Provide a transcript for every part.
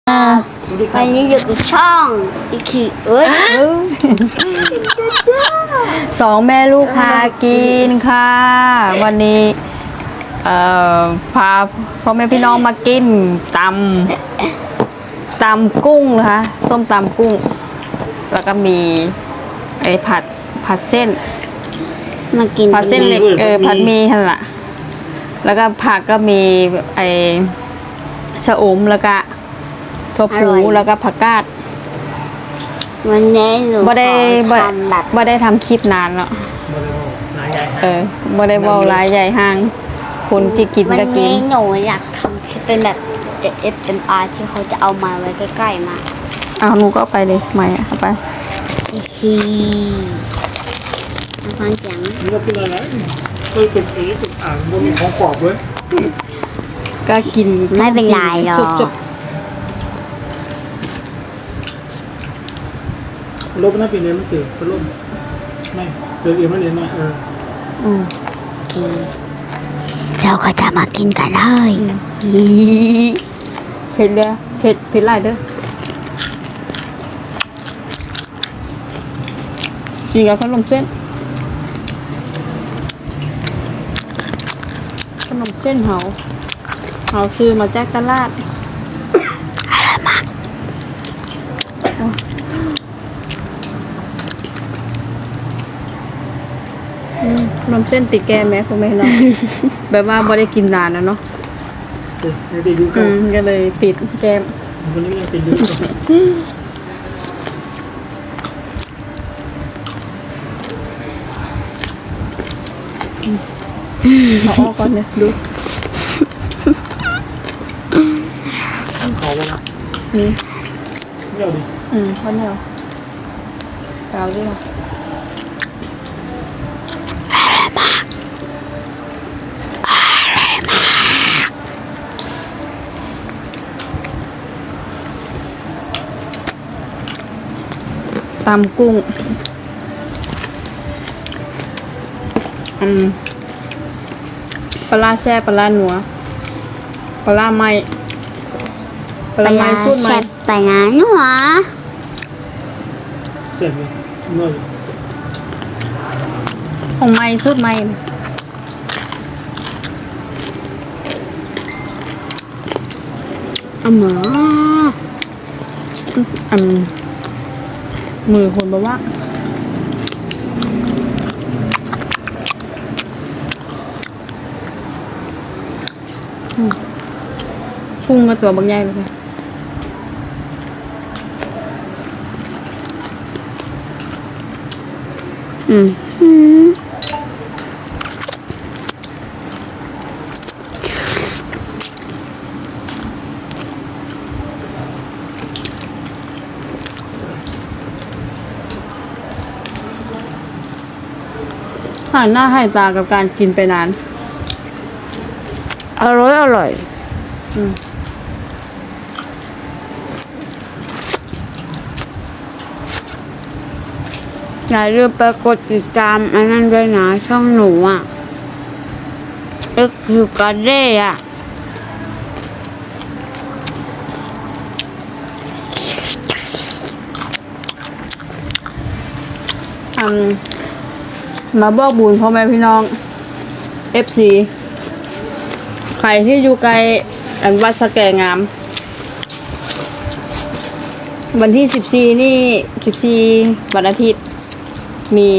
วันนี้อยู่กับช่องอีคิเอ้ยสองแม่ลูกพากินค่ะ วันนี้พาพ่อแม่พี่น้องมากินตำกุ้งนะคะส้มตำกุ้ง แล้วก็มีไอ้ผัดเส้นมากินผัดเส้นเล็กผัดหมีหั่นล่ะแล้วก็ผักก็มีไอ้ชะอมแล้วก็ถั่วพูแล้วก็ผักกาดวันนี้หนูบ่ได้ขอทำแบบบ่ได้ทำคลิปนานแล้วบ่ได้เว้าหลายใหญ่ห้างคนที่กินวันก็กินนี้หนูอยากทำคลิปเป็นแบบ ASMR ที่เขาจะเอามาไว้ใกล้ๆมาเอาหนูก็เอาไปเลยไม่เอาไปฮีมาฟังเสียงนี่เรากินอะไรเคยเป็นเป็นอ่างบนของกรอบเลยก็กินไม่เป็นไรหรอกสุกลบหน้าปีนี้มันเกิดพัดลมไม่เกิดเองมันเองนะเราก็จะมากินกันเลยเผ็ดเลยเผ็ดหลายเด้อกินกับขนมเส้นเฮาซื้อมาจากตลาดอร่อยมากขนมเส้นติดแก้มไหมคุณแม่เนาะ แบบว่าบ่ได้กินนานนะเนาะไม่ได้ดูกันก็เลยติดแก้มวันนี้ยังเป็นดูกันเอาออกก่อนเนี่ยดูเขาว่านี่ไม่เอาดิข้าวเหนียวกาวด้วยนะตำกุ้งปลาแซ่บปลาหนัวปลาไหม้ปลาไหม้สูตรไหม้แซ่บไปนะหนูหรอเสร็จเลยน้อยของไหม้สูตรไหม้หมอมือคนบอกว่าพุ่งมาตัวบางใหญ่เลยค่ะ หันหน้าให้ตากับการกินไปนานอร่อย อย่าลืมไปกดติดตามอันนั้นด้วยนะช่องหนูอ่ะคือการเด้อ่ะมาบอกบุญพ่อแม่พี่น้อง FC ใครที่อยู่ไกลวัดสะแก่งาม วันที่14นี่14วันอาทิตย์ มี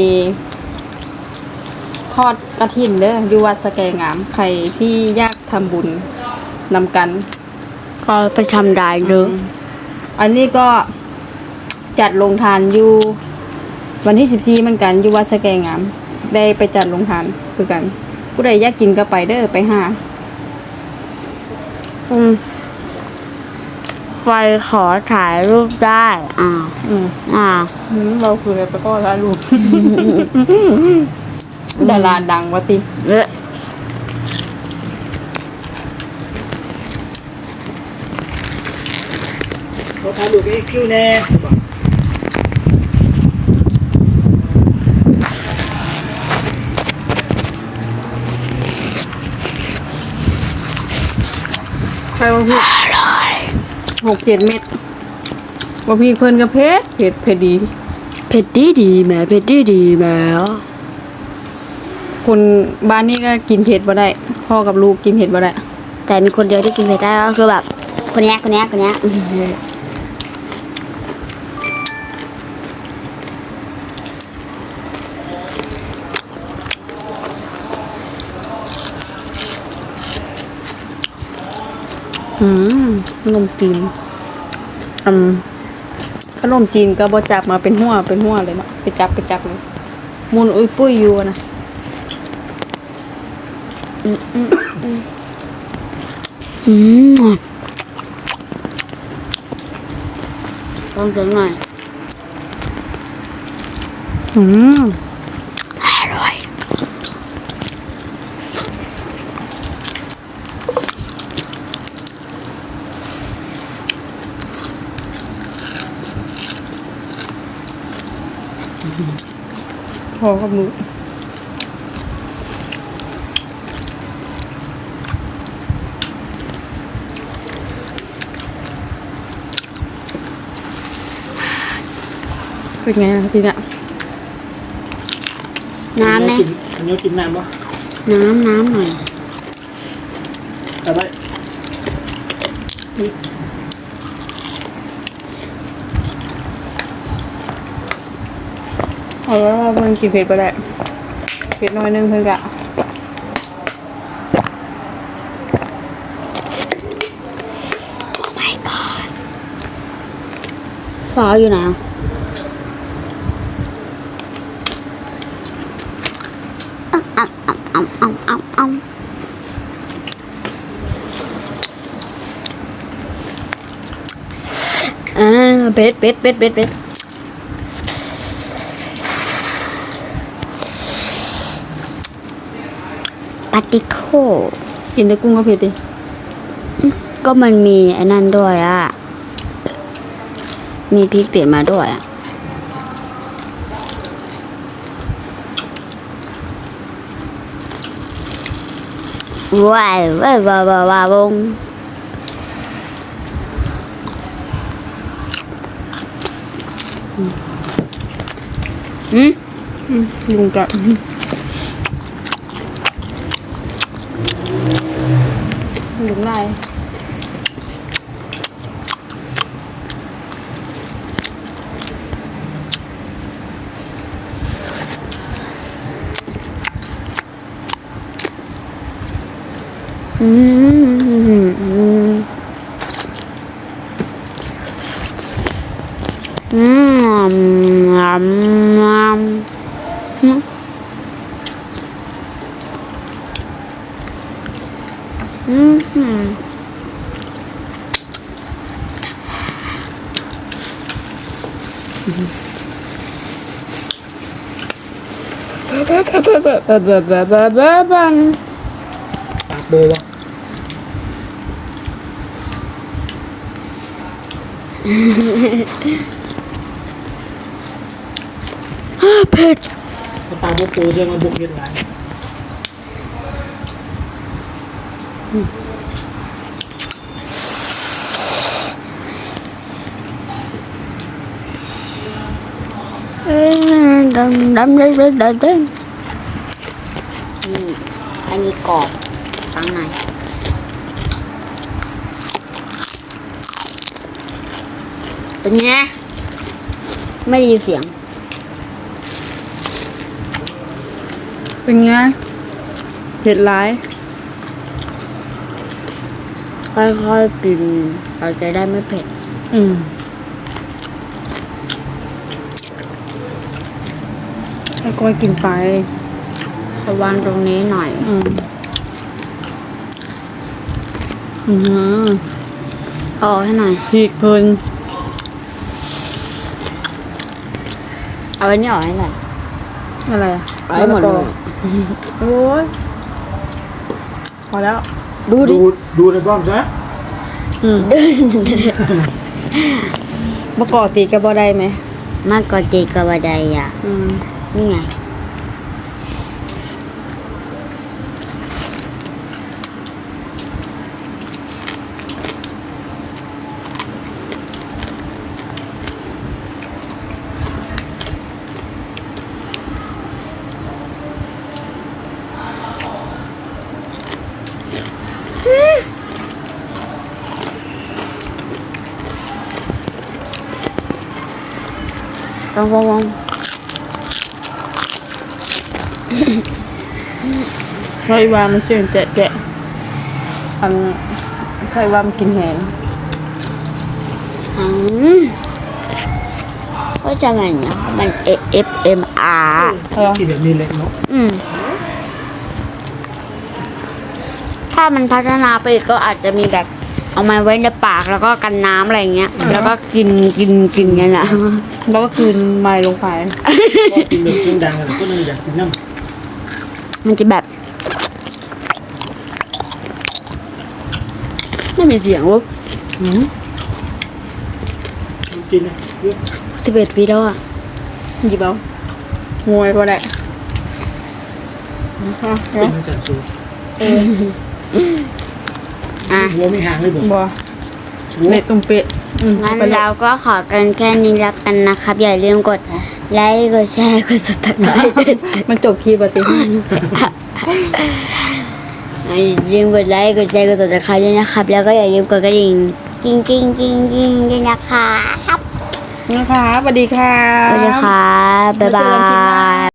ทอดกฐินเด้ออยู่วัดสะแก่งาม ใครที่อยากทำบุญนำกันก็ไปทำได้เลยอันนี้ก็จัดลงทานอยู่วันที่14เหมือนกันอยู่วัดสะแกงาม ได้ไปจัดลงทานคือกัน ผู้ใดอยากกินก็ไปเด้อไปหาไปขอถ่ายรูปได้เราคืออะไรไปก็ละลูก ดาราดังวะติเขาทำดูกี่คิวแน่ใครมาพูด 6-7 เม็ดบ่พี่เพิ่นก็เผ็ดดีเผ็ดดีแหม่เผ็ดดีแหม่คนบ้านนี้ก็กินเผ็ดบ่ได้พ่อกับลูกกินเผ็ดบ่ได้แต่มีคนเดียวที่กินเผ็ดได้ก็คือแบบคนเนี้ยขนมจีนขนมจีนก็บ่จับมาเป็นหัวเลยเนาะไปจับเลยมุนอุ้ยปุ้ยอยู่นะต้องเสียงหน่อย อร่อยพ่อกับลูกเป็นไงล่ะทีเนี้ยน้ำเนี่ยอันนี้กินน้ำปะน้ำหน่อยแต่ว่าเอาแล้วเพิ่นกินเผ็ดบ่ได้เผ็ดน้อยนึงเพิ่นก็ซอสอยู่ไหนอ่ะเป็ดปาติโทกินแต่กุ้งก็เผ็ดดิก็มันมีไอ้นั่นด้วยอ่ะ มีพริกติดมาด้วยอ่ะว้าวงลุงจะลุงได้ปากโบวะเผ็ดถ้าปากโบโปเจะมาบุกเย็นหลายดำนี่อันนี้กรอบข้างในเป็นไงไม่ได้ยินเสียงเป็นไงเผ็ดร้ายค่อยๆกินเราจะได้ไม่เผ็ดค่อยๆกินไประวังตรงนี้หน่อย เอาออกให้หน่อยพริกเพิ่นเอาอันนี้ออกให้หน่อยอะไรอ่ะเอาให้หมดเลยโอ้ยพอแล้วดูดิดูในกล้องใช่ไหมปกติก็บ่ได้ไหมมากกว่าจีกับบันไดอ่ะ นี่ไงต้องวงเคยว่ามันเสื่อมแจะอันเคยว่ามันกินแหงก็จะมันเนาะมัน AFMR กินแบบนี้เลยเนาะถ้ามันพัฒนาไปอีกก็อาจจะมีแบบเอามาไว้ในปากแล้วก็กันน้ำอะไรอย่างเงี้ย แล้วก็กินกันแหละแล้วก็คืนไม้ลงไปก็กินแบบเสียงดังอะก็เลยอยากกินน้มันจะแบบไม่มีเสียงวะำกินนะเยอะ 11 วิแล้วอ่ะหยิบเอางวยก็ได้เป็นมันสั่นสูงอ่ะหัวไม่ห่างเลยบอกบัวหัวเน็ตตุ้มเป๊ะงั้นเราก็ขอกันแค่นี้แล้วกันนะครับ อย่าลืมกดไลค์กดแชร์กด subscribe มันจบคีย์ปฏิอย่าลืมกดไลค์กดแชร์กด subscribe ด้วยนะครับ แล้วก็อย่าลืมกดกระดิ่งกิ้งด้วยนะครับนะคะสวัสดีค่ะสวัสดีครับบ๊ายบาย